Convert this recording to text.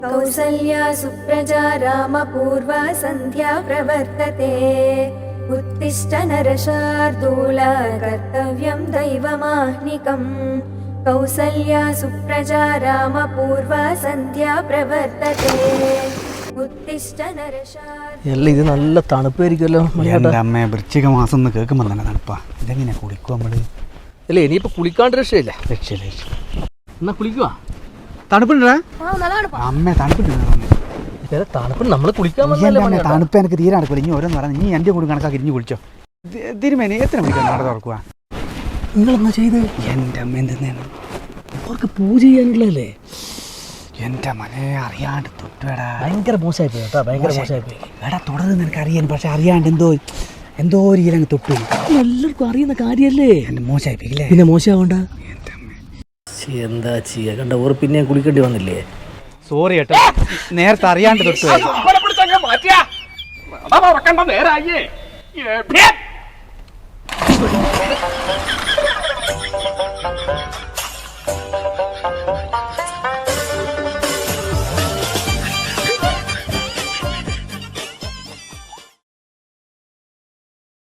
कौसल्या सुप्रजा रामपूर्वा सन्ध्या प्रवर्तते उत्तिष्ठ नरशार्दूल कर्तव्यं दैवमाह्निकम् कौसल्या सुप्रजा रामपूर्वा सन्ध्या प्रवर्तते उत्तिष्ठ नरशार्दूल എല്ലാം ഇത് നല്ല തണുപ്പായിരിക്കുമല്ലോ എൻ്റെ അമ്മ വൃശ്ചിക മാസം എന്ന് കേൾക്കുമ്പോൾ തന്നെ തണുപ്പാ. ഇതെങ്ങനെ കുളിക്കും നമ്മള്? അല്ലേ ഇനിയിപ്പോ കുളിക്കാണ്ട് രക്ഷയില്ല. രക്ഷയില്ല. എന്നാ കുളിക്കുക. തണുപ്പുണ്ടാ അമ്മ? തണുപ്പുണ്ട്. തണുപ്പ് നമ്മള് കുളിക്കാൻ തണുപ്പ് എനിക്ക് തീരെ നടക്കില്ല. ഇനി ഓരോന്ന് പറയാം. നീ എൻ്റെ കൂടി കണക്കാക്കി ഇരിഞ്ഞു കുളിച്ചോ. തിരുമേനി എത്ര മണിക്കാണ് നട തുറക്കുക? നിങ്ങളെന്നാ ചെയ്ത്? എൻ്റെ അമ്മ എന്തെന്നാണ് അവർക്ക് പൂജ ചെയ്യാനുള്ളതല്ലേ? എൻ്റെ മനെ അറിയാണ്ട് തൊട്ടുവേടാ. ഭയങ്കര മോശമായി പോയി കേട്ടോ, ഭയങ്കര മോശമായി പോയി. എടാ തുടർന്ന് നിനക്ക് അറിയാൻ, പക്ഷെ അറിയാണ്ട് എന്തോ ഒരു ഇലങ്ങ് തൊട്ടു. എല്ലാവർക്കും അറിയുന്ന കാര്യല്ലേ. എൻ്റെ മോശമായിപ്പിക്കില്ലേ? പിന്നെ മോശമാവണ്ട. എന്താ ചെയ്യാ, കണ്ട ഓർ പിന്നെ കുളിക്കേണ്ടി വന്നില്ലേ? സോറി കേട്ടോ, നേരത്തെ അറിയാണ്ട് തൊട്ടു. നേരായേ